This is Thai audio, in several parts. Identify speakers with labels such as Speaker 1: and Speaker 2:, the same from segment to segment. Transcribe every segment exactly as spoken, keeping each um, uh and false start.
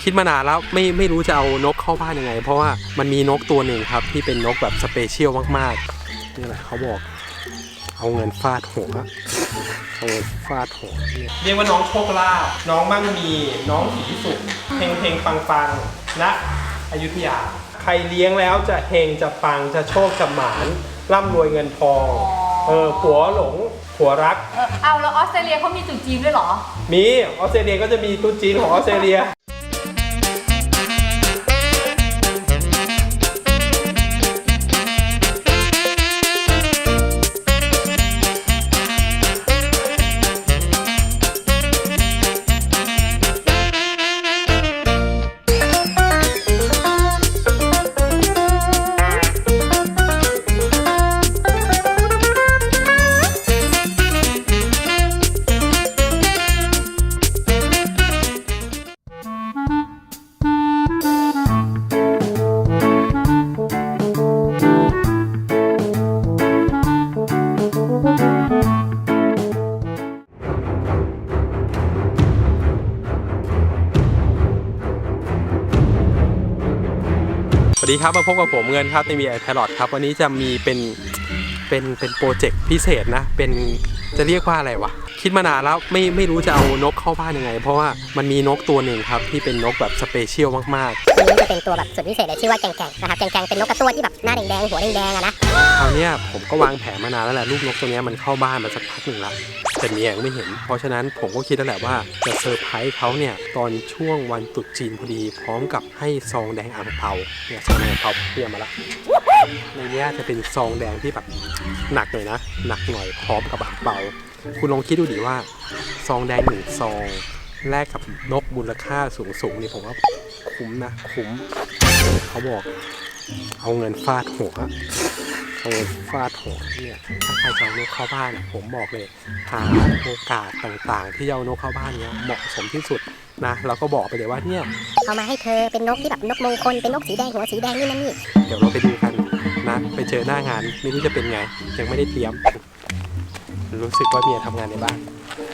Speaker 1: คิดมานานแล้วไม่ไม่รู้จะเอานกเข้าบ้านยังไงเพราะว่ามันมีนกตัวหนึ่งครับที่เป็นนกแบบสเปเชียลมากๆนี่แหละเขาบอกเอาเงินฟาดหัวเอาเงินฟาดหัวเรียกว่าน้องโชคลาภน้องมั่งมีน้องสีสุขเฮงเฮงปังปังณอยุธยาใครเลี้ยงแล้วจะเฮงจะปังจะโชคจะหมานร่ำรวยเงินทองเออผัวหลงผัวรัก
Speaker 2: เออเอาแล้วออสเตรเลียเขามีจุดจีนด้วยเหรอ
Speaker 1: มีออสเตรเลียก็จะมีตุ๊จีนของออสเตรเลียสวัสดีครับมาพบกับผมเงินครับในมีไอแพลอตครับวันนี้จะมีเป็นเป็นเป็นโปรเจกต์พิเศษนะเป็นจะเรียกว่าอะไรวะคิดมานานแล้วไม่ไม่รู้จะเอานกเข้าบ้านยังไงเพราะว่ามันมีนกตัวหนึ่งครับที่เป็นนกแบบสเปเชียลมากๆ
Speaker 3: ตัวนี้จะเป็นตัวแบบสุดพิเศษเลยชื่อว่าแกงแกงนะครับแกงแกงเป็นนกกระตั้วที่แบบหน้าแดงๆหัวแดงๆอะนะ
Speaker 1: คราวนี้ผมก็วางแผนมานานแล้วแหละลูกนกตัวนี้มันเข้าบ้านมาสักพักหนึ่งแล้วแต่เมียยังไม่เห็นเพราะฉะนั้นผมก็คิดแล้วแหละว่าจะเซอร์ไพรส์เขาเนี่ยตอนช่วงวันตรุษจีนพอดีพร้อมกับให้ซองแดงอ่างเปาเนี่ยซองแดงอ่างเปาเตรียมมาแล้วในนี้จะเป็นซองแดงที่แบบหนักหน่อยนะหนักหน่อยพร้อมกับอ่างเปาคุณลองคิดดูดิว่าซองแดงหนึ่งซองแลกกับนกมูลค่าสูงๆนี่ผมว่าคุ้มนะคุ้มเขาบอกเอาเงินฟาดหัวเอาเงินฟาดหัวเนี่ยถ้าใครจะเอานกเข้าบ้านผมบอกเลยหาโอกาสต่างๆที่เอานกเข้าบ้านเนี้ยเหมาะสมที่สุดนะเราก็บอกไปเลยว่าเนี่ย
Speaker 3: เอามาให้เธอเป็นนกที่แบบนกมงคลเป็นนกสีแดงหัวสีแดงนี่นั่นนี่
Speaker 1: เดี๋ยวเราไปดูกันนะไปเจอหน้างานไม่รู้จะเป็นไงยังไม่ได้เตรียมรู้สึกว่าเมียทำงานในบ้าน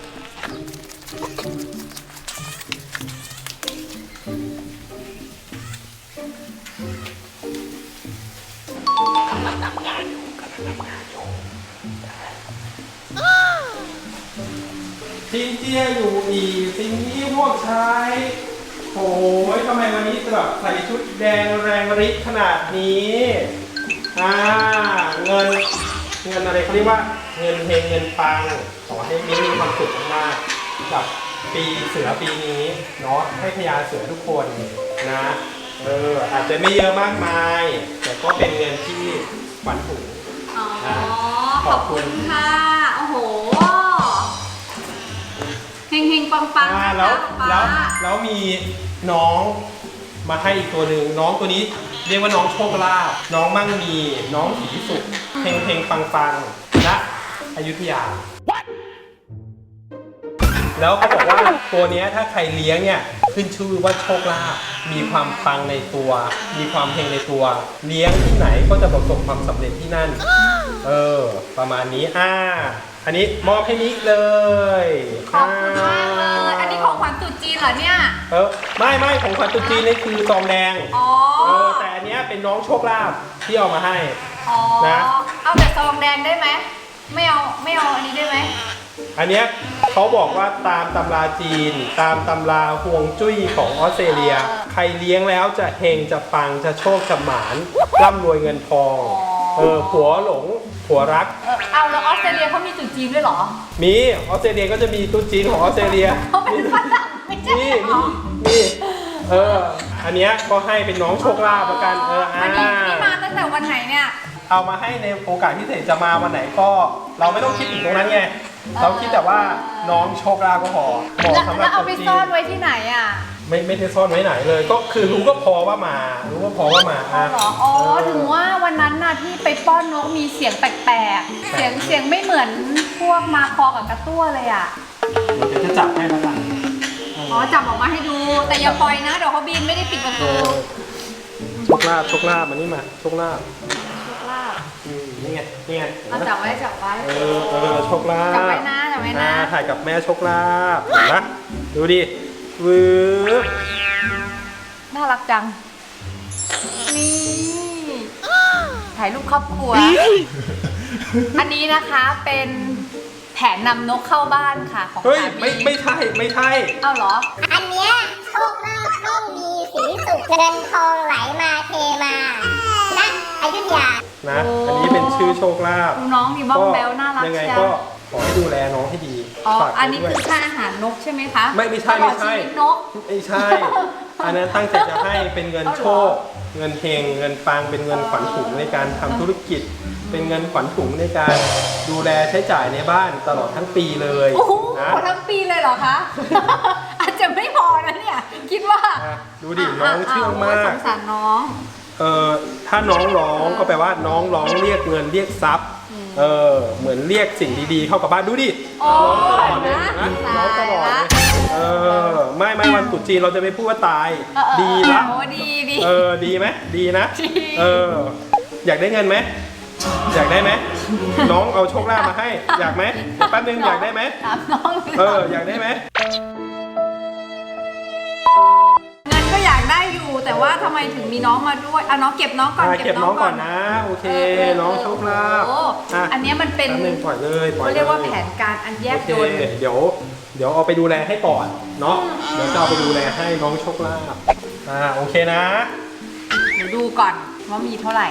Speaker 1: กำลังทำงานอยู่กำลังทำงานอยู่ซินเจียอยู่อีซินนี่พวกชายโอ้ยทำไมวันนี้แบบใส่ชุดแดงแรงฤทธิ์ขนาดนี้อ่าเงินเงินอะไรเขาเรียกว่าเงินเฮงเงินปังขอให้มีมีความสุขมากกับปีเสือปีนี้เนาะให้พญาเสือทุกคนนะเอออาจจะไม่เยอะมากมายแต่ก็เป็นเงินที่ฝันถุง
Speaker 2: อ๋อขอบคุณค่ะโอ้โหเฮงเฮงปังปังนะ
Speaker 1: แล้วแล้วแล้วมีน้องมาให้อีกตัวหนึ่งน้องตัวนี้เรียกว่าน้องโชคลาภน้องมั่งมีน้องสีสุขเฮงเฮงปังปังณอยุธยาแล้วเขาบอกว่าตัวนี้ถ้าใครเลี้ยงเนี่ยขึ้นชื่อว่าโชคลาภมีความปังในตัวมีความเฮงในตัวเลี้ยงที่ไหนก็จะประสบความสำเร็จที่นั่นเออประมาณนี้อ่าอันนี้มอบให้นิเลย
Speaker 2: ขอบคุณมากเลยอันนี้ของขวัญตรุษจีนเหรอเนี่ย
Speaker 1: เออไม่ไม่ของขวัญตรุษจีนนี่คือซองแดง
Speaker 2: อ๋อ
Speaker 1: เออแต่อันนี้เป็นน้องโชคลาภที่เอามาให้
Speaker 2: อ๋อนะเอาแต่ซองแดงได้ไหมไม่เอาไม่เอาอันนี้ได้ไหม
Speaker 1: อันเนี้ยเขาบอกว่าตามตำราจีนตามตำราฮวงจุ้ยของออสเตรเลียใครเลี้ยงแล้วจะเฮงจะปังจะโชคจะหมานร่ำรวยเงินทองเออผัวหลงผัวรัก
Speaker 2: เออเอาแล้วออสเตรเลียเขามีจุดจีนด้วยเหรอ
Speaker 1: มีออสเตรเลียก็จะมีตุ๊จีนของออสเตรเลีย
Speaker 2: เขาเป็นฝรั่งไม่ใช่หรอ
Speaker 1: มีเอออันเนี้ยก็ให้เป็นน้องโชคลาภประกันเออ
Speaker 2: อันนี้นี่มาตั้งแต่วันไหนเนี่ย
Speaker 1: เอามาให้ในโอกาสพิเศษจะมาวันไหนก็เราไม่ต้องคิดถึงตรงนั้นไงเราคิดแต่ว่าน้องโชคลาภก็พอเหมาะสำหรับ
Speaker 2: แล้วเอาไปซ่อนไว้ที่ไหนอ่ะ
Speaker 1: ไม่ไม่ได้ซ่อนไว้ไหนเลยก็คือรู้ก็พอว่ามารู้ก็พอว่ามา
Speaker 2: อ๋อเหรออ๋อถึงว่าวันนั้นน่ะที่ไปป้อนนกมีเสียงแปลกๆเสียงเสียงไม่เหมือนพวกมาคอกับกระตั้วเลยอ่ะ
Speaker 1: เดี๋ยวจะจับให้แล้วกัน
Speaker 2: อ๋อจับออกมาให้ดูแต่อย่าปล่อยนะเดี๋ยวเขาบินไม่ได้ปิดประตู
Speaker 1: โชคลาภโชคลาภมานี่มาโชคลาภ
Speaker 2: โชคลาภ
Speaker 1: นี่ไงนี่ไง
Speaker 2: จับไว้จับไว้
Speaker 1: เออเออโชคลาภ
Speaker 2: จับไว้นะจับไว้นะ
Speaker 1: ถ่ายกับแม่โชคลาภเห็นไหมดูดิวืบ
Speaker 2: น่ารักจัง นี่ถ่ายรูปครอบครัว อันนี้นะคะเป็นแผนนำนกเข้าบ้านค่ะของ
Speaker 1: เฮ้ย
Speaker 2: สามี
Speaker 1: ไม่ไม่ใช่ไม่ใช่
Speaker 2: เอ้าเหรอ
Speaker 3: อันเนี้ยโชคลาภไม่มีสีสุขเงินทองไหลมาเทมาณอยุธยา
Speaker 1: นะ
Speaker 2: โอ้
Speaker 1: อันนี้เป็นชื่อโชคลาภ
Speaker 2: ดูน้องดีบ้องแบลน่ารัก
Speaker 1: ยังไง
Speaker 2: จั
Speaker 1: ก็
Speaker 2: ง
Speaker 1: ขอให้ดูแลน้องให้ดี
Speaker 2: อ๋อ
Speaker 1: ฝาก
Speaker 2: อันนี้
Speaker 1: ไว้
Speaker 2: คื
Speaker 1: ด้
Speaker 2: อ
Speaker 1: วย
Speaker 2: ค่าอาหารนกใช่ไหมคะ
Speaker 1: ไม่ไม่ใช่
Speaker 2: ตลอด
Speaker 1: ไม่ใช่
Speaker 2: ชีวิตนก
Speaker 1: ไม่ใช่ อันนั้นตั้งใจจะให้เป็นเงิน
Speaker 2: เอาเหรอ
Speaker 1: โชค เงินเฮงเงินปังเป็นเงินขวัญถุงในการทำธุรกิจ เป็นเงินขวัญถุงในการดูแลใช้จ่ายในบ้านตลอดทั้งปีเลย
Speaker 2: โอ้โห
Speaker 1: นะ
Speaker 2: ทั้งปีเลยเหรอคะ อาจจะไม่พอนะเนี่ย คิดว่า
Speaker 1: อ่ะดูดิน้องเชื่องมา
Speaker 2: โยส
Speaker 1: ก
Speaker 2: งสารน้อง
Speaker 1: เออถ้าน้องร้องก็แปลว่าน้องร้องเรียกเงินเรียกทรัพย์ เออเหมือนเรียกสิ่งดีๆเข้ากับบ้านดูดิ
Speaker 2: โอ้
Speaker 1: ร้องตลอดเลย
Speaker 2: นะ
Speaker 1: นะร้องตลอดเลย
Speaker 2: ตายละ
Speaker 1: เออไม่ไม่วันตรุษจีนเราจะไม่พูดว่าตาย
Speaker 2: เออเออ
Speaker 1: ดีละ
Speaker 2: โอ้ดีดี
Speaker 1: เออดีไหมดีนะ
Speaker 2: ดี
Speaker 1: เอออยากได้เงินไหมอยากได้ไหมน้องเอาโชคลาภมาให้ อยากไหมเดี๋ยวแป๊บนึงอยากได้ไหม
Speaker 2: ถามน้องลย
Speaker 1: เอออยากได้ไหม
Speaker 2: เงินก็อยากได้อยู่ แต่ว่าทำไมถึงมีน้องมาด้วยอ่ะน้องเก็บน้องก่อน
Speaker 1: อ่ะเก็บน้องก่อนนะโอเค น้องโชคลาภ
Speaker 2: โอ้
Speaker 1: อ่ะ
Speaker 2: อันเนี้ยมันเป็น
Speaker 1: แป๊บนึงปล่อยเลยปล่อย
Speaker 2: เขา
Speaker 1: เลย
Speaker 2: เรียกว่าแผนการอันแย
Speaker 1: โอบ เค
Speaker 2: ยล
Speaker 1: เดี๋ยวเดี๋ยวเอาไปดูแลให้ก่อนเนาะเดี๋ยวจะเอาไปดูแลให้น้องโชคลาภอ่าโอเคนะ
Speaker 2: เดี๋ยวดูก่อนว่ามีเท่าไหร่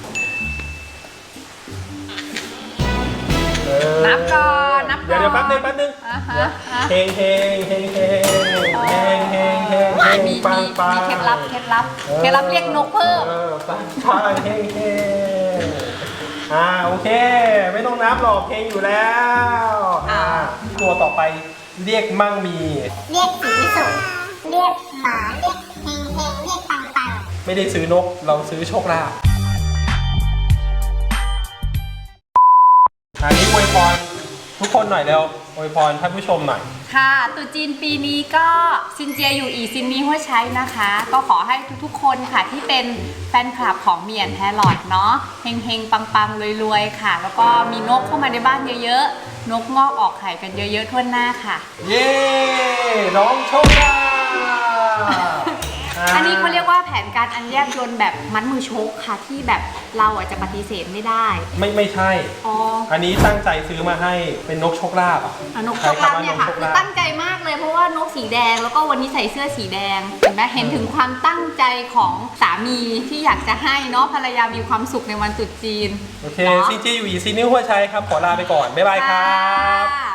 Speaker 1: เออ
Speaker 2: นับก่อนนับก่อน
Speaker 1: เดี๋ยวเดี๋ยวแป๊บนึงแป๊บนึง
Speaker 2: อ่าฮะ
Speaker 1: เดี๋ยว
Speaker 2: อ่า
Speaker 1: เฮงเฮงเฮงเฮงเฮงเฮงเฮงเฮง
Speaker 2: มี
Speaker 1: ปั
Speaker 2: มี
Speaker 1: งปัง
Speaker 2: มีเคล็ดลับเคล็ดลับเคล็ดลับเรียกนกเพิ่ม
Speaker 1: เออปังปังเฮงเฮงอ่าโอเค ไม่ต้องนับหรอกเฮงอยู่แล้วอ่าตัวต่อไปเรียกมั่งมี
Speaker 3: เรียกสีสุขเรียกหมาเรียกเฮงเฮงเรียกปังปัง
Speaker 1: ไม่ได้ซื้อนกเราซื้อโชคลาภอันนี้อวยพรทุกคนหน่อยเร็วอวยพรท่านผู้ชมหน่อย
Speaker 2: ค่ะตรุษจีนปีนี้ก็ซินเจียอยู่อีซินนี้หัวใช้นะคะ ก็ขอให้ทุกๆคนค่ะที่เป็นแฟนคลับของเมียนแฮร์ลอดเนาะเฮงๆปังๆรวยๆค่ะ แล้วก็มีนกเข้ามาในบ้านเยอะๆ นกงอกออกไข่กันเยอะๆทั่วหน้าค่ะ
Speaker 1: เย้น้องโชคลาภ
Speaker 2: อันนี้เขาเรียกว่าแผนการอันแยบยลแบบมัดมือชกค่ะที่แบบเราอาจจะปฏิเสธไม่ได้
Speaker 1: ไม่ไม่ใช่
Speaker 2: อ๋อ
Speaker 1: อันนี้ตั้งใจซื้อมาให้เป็นนกโชคลาภอ่ะ
Speaker 2: อ่ะนกโชคลาภเนี่ยค่ะ
Speaker 1: ใช้ำว่
Speaker 2: คือ
Speaker 1: ลาภ
Speaker 2: ตั้งใจมากเลยเพราะว่านกสีแดงแล้วก็วันนี้ใส่เสื้อสีแดงเห็นไหมเห็นถึงความตั้งใจของสามีที่อยากจะให้เนาะภรรยามีความสุขในวันตรุษจีน
Speaker 1: โอเคซีจีอยู่อีซีนิ้วหัวชัยครับ ขอลาไปก่อน บ๊ายบายครับ
Speaker 2: ค่ะ